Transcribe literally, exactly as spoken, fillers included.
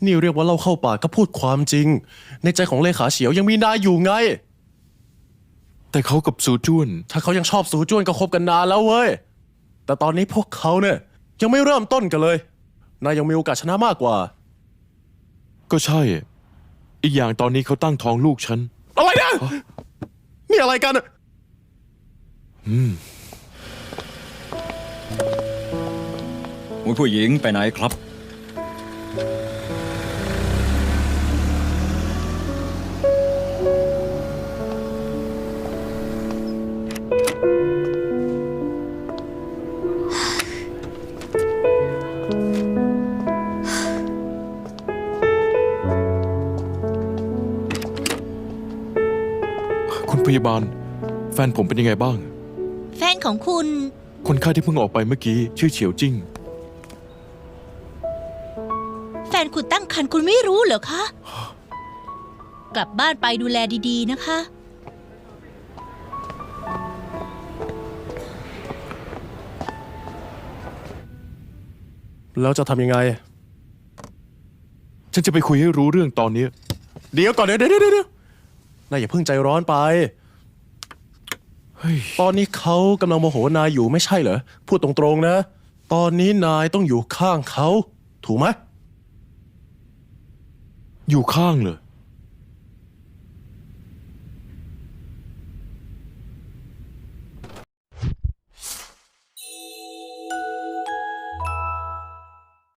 นี่เรียกว่าเล่าเข้าปากก็พูดความจริงในใจของเลขาเฉียวยังมีนายอยู่ไงแต่เขากับซูจ้วนถ้าเขายังชอบสูจ้วนก็คบกันนานแล้วเว้ยแต่ตอนนี้พวกเขาเนี่ยยังไม่เริ่มต้นกันเลยนายยังมีโอกาสชนะมากกว่าก็ใช่ อีกอย่างตอนนี้เขาตั้งท้องลูกฉันอะไรนะนี่อะไรกันอะอืมคุณผู้หญิงไปไหนครับคุณพยาบาลแฟนผมเป็นยังไงบ้างแฟนของคุณคนไข้ที่เพิ่งออกไปเมื่อกี้ชื่อเฉียวจิ้งแฟนคุณตั้งครรภ์คุณไม่รู้เหรอคะ กลับบ้านไปดูแลดีๆนะคะแล้วจะทำยังไงฉันจะไปคุยให้รู้เรื่องตอนนี้เดี๋ยวก่อนเดี๋ยวเดี๋ยวเดี๋ยวนายอย่าเพิ่งใจร้อนไปเฮ้ยตอนนี้เขากำลังโมโหนายอยู่ไม่ใช่เหรอพูดตรงๆนะตอนนี้นายต้องอยู่ข้างเขาถูกไหมอยู่ข้างเลย